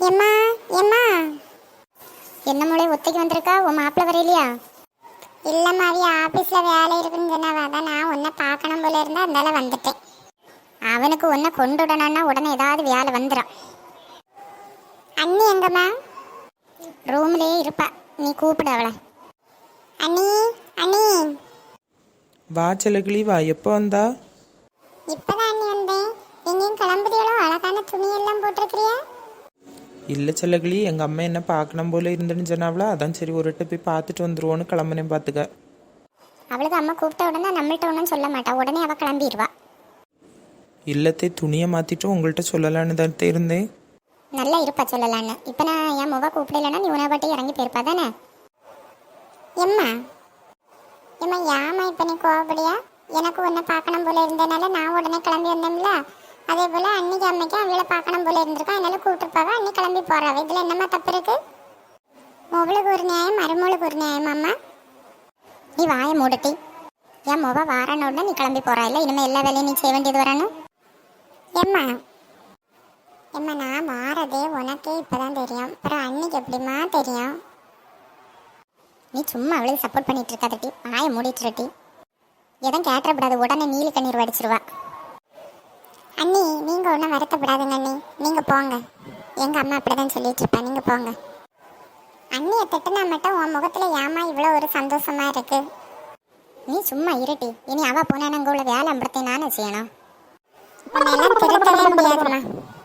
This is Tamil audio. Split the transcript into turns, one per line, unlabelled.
எம்மா எம்மா, என்ன மூளை ஒத்தைக்கு வந்திருக்கா? உன் மாப்பிள்ள வரையிலையா? இல்லம்மா, அவிய ஆபீஸ்ல வேலை இருக்குன்னு சொன்னாவ, அதான் நான் உன்னை பார்க்கணும் போல இருந்தா அதனால வந்துட்டேன். அவனுக்கு உன்னை கொண்டுடணும்னா உடனே ஏதாவது வேலை வந்துடும். அண்ணி எங்கம்மா? ரூம்லயே இருப்பா, நீ கூப்பிடு அவளை. அண்ணி அண்ணி.
வா செல்லக்கிளி வா. எப்போ வந்தா?
இப்பதான் அண்ணி வந்தேன். எங்கேயும் கிளம்புறீங்களோ? அழகான துணியெல்லாம் போட்டிருக்கிறியா?
இல்லை செல்லக்கிளி, எங்கள் அம்மா என்ன பார்க்கணும் போல இருந்துன்னு சொன்னாவளா, அதான் சரி ஒரு போய் பார்த்துட்டு வந்துருவோன்னு கிளம்புனேன். பார்த்துக்க.
அவளுக்கு அம்மா கூப்பிட்ட உடனே நம்மள்ட்ட ஒன்றும் சொல்ல மாட்டா, உடனே அவள் கிளம்பிடுவா.
இல்லத்தே, துணியை மாற்றிட்டு உங்கள்கிட்ட சொல்லலான்னு தான் இருந்தேன்.
நல்லா இருப்பா சொல்லலான்னு. இப்போ நான் என் முக கூப்பிடலன்னா நீ உணவு பாட்டி இறங்கி போயிருப்பா தானே? எம்மா எம்மா, ஏமா இப்போ நீ கோவப்படியா? எனக்கு உன்னை பார்க்கணும் போல இருந்ததுனால நான் உடனே கிளம்பி வந்தேன்ல. அதே போல் அன்னைக்கு அம்மைக்கு அவளை பார்க்கணும் போல இருந்திருக்கா, அதனால கூப்பிட்டுருப்பாவா, அன்னி கிளம்பி போறாவ. இதில் என்னம்மா தப்பு இருக்கு? மொவளுக்கு ஒரு நியாயம், மருமகளுக்கு ஒரு நியாயம். அம்மா நீ வாயை மூடட்டி. என் முக வாரான உடனே நீ கிளம்பி போறா இல்லை? இனிமேல் எல்லா வேலையும் நீ செய்ய வேண்டியது வரணும். எம்மா எம்மா, நான் மாறதே உனக்கே இப்போதான் தெரியும், அப்புறம் அன்னைக்கு எப்படிமா தெரியும்? நீ சும்மா அவளுக்கு சப்போர்ட் பண்ணிட்டு இருக்காதட்டி, வாயை மூடிட்டுருட்டி. எதுவும் கேட்டப்படாது, உடனே நீலி கண்ணீர் வடிச்சிருவா. அண்ணி நீங்கள் ஒன்றும் வருத்தப்படாதுங்க அண்ணி, நீங்கள் போங்க. எங்கள் அம்மா அப்படிதான் சொல்லிட்டு இருப்பா, நீங்கள் போங்க. அண்ணியை திட்டுனா மட்டும் உன் முகத்தில் ஏமா இவ்வளோ ஒரு சந்தோஷமா இருக்கு? நீ சும்மா இருட்டி. இனி அவள் போனா அங்கே உள்ள வேலை அம்பளத்தை நானே செய்யணும். உன்னை எல்லாம் திருத்தவே முடியாதுமா.